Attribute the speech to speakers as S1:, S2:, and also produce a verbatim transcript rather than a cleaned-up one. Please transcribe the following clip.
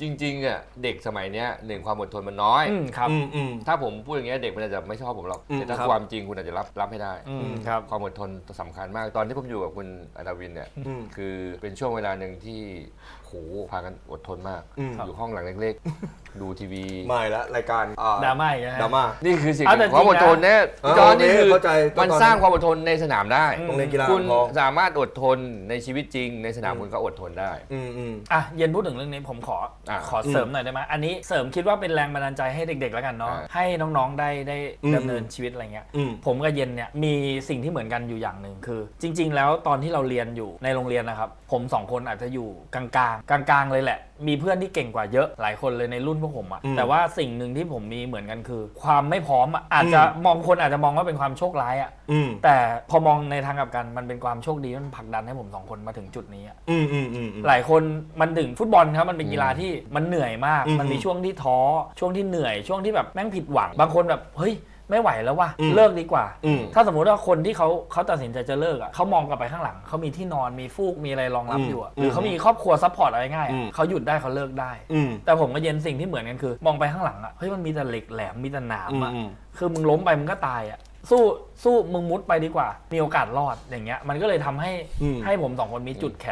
S1: จริงๆอ่ะเด็กสมัยเนี้ยหนึ่งความอดทนมันน้อย
S2: อืมครับ
S3: อืมอืม
S1: ถ้าผมพูดอย่างเงี้ยเด็กมันอาจจะไม่ชอบผมหรอก
S3: อืม
S1: แต่ถ้า
S2: ครับ
S1: ความจริงคุณอาจจะรับรับให้ได้
S2: อืมครับ
S1: ความอดทนสำคัญมากตอนที่ผมอยู่กับคุณอนาวินเนี่ย
S3: อืม
S1: คือเป็นช่วงเวลาหนึ่งที่โหพากันอดทนมาก
S3: อืม
S1: อยู่ห้องหลังเล็กๆ ดูทีวี
S3: ไม่ละรายการอ่
S2: ดราม่าอีกนะฮะ
S3: ดราม่า
S1: นี่คือสิ่ง
S2: เอาแต่
S1: ความอดทนเนี่ย
S3: จริงนะ
S1: จอห์นนี่คือ
S3: เข้าใจ
S1: มัน
S3: ตอนนั้น
S1: สร้างความอดทนในสนามได้
S2: อืม
S3: โรงเรียนกีฬา
S1: คุณ
S3: พอ
S1: สามารถอดทนในชีวิตจริง ในสนามคุณก็อดทนได้
S3: อืมอืม
S2: อ่ะเย็นพูดถึงเรื่องนี้ผมขอ
S1: อ่ะ
S2: ขอเสริมหน่อยได้ไหมอันนี้เสริมคิดว่าเป็นแรงบันดาลใจให้เด็กๆแล้วกันเนาะ
S1: อ่า
S2: ให้น้องๆได้ได้
S3: อืม
S2: ดำเนินชีวิตอะไรเงี้ย
S3: อืม
S2: ผมกับเย็นเนี่ยมีสิ่งที่เหมือนกันอยู่อย่างหนึ่งคือ จริง ๆ แล้วตอนที่เราเรียนอยู่ในโรงเรียนนะครับผมสองคนอาจจะอยู่กลางๆกลางๆเลยแหละ มีเพื่อนที่เก่งกว่าเยอะหลายคนเลยในรุ่นพวกผมอะ
S3: อืม
S2: แต่ว่าสิ่งหนึ่งที่ผมมีเหมือนกันคือ ความไม่พร้อมอะอาจจะมองคนอาจจะมองว่าเป็นความโชคร้ายอะ
S3: อืม
S2: แต่พอมองในทางกลับกันมันเป็นความโชคดีมันผลักดันให้ผมสองคนมาถึงจุดนี้อะ
S3: อืมอืมอืมอืม
S2: หลายคนมันถึงฟุตบอลครับมันเป็นกีฬาที่มันเหนื่อยมาก
S3: อืม
S2: มันมีช่วงที่ท้อช่วงที่เหนื่อยช่วงที่แบบแม่งผิดหวัง บางคนแบบเฮ้ยไม่ไหวแล้วว่ะ
S3: อืม
S2: เลิกดีกว่า
S3: อืม
S2: ถ้าสมมุติว่าคนที่เขาเขาตัดสินใจจะเลิกอ่ะเขามองกลับไปข้างหลังเขามีที่นอนมีฟูกมีอะไรรองรับ
S3: อืม
S2: อยู่อะ
S3: อืม
S2: หรือเขามีครอบครัวซัพพอร์ตอะไรง่ายอะ
S3: อืม
S2: เขาหยุดได้เขาเลิกได้
S3: อืม
S2: แต่ผมกับเย็นสิ่งที่เหมือนกันคือ มองไปข้างหลังอ่ะเฮ้ยมันมีแต่เหล็กแหลมมีแต่หนามอ่ะ
S3: อืม
S2: คือมึงล้มไปมึงก็ตายอ่ะสู้สู้มึงมุดไปดีกว่า มีโอกาสรอดอย่างเงี้ยมันก็เลยทำให้
S3: อืม
S2: ให้ผมสองคนมีจุดแข็ง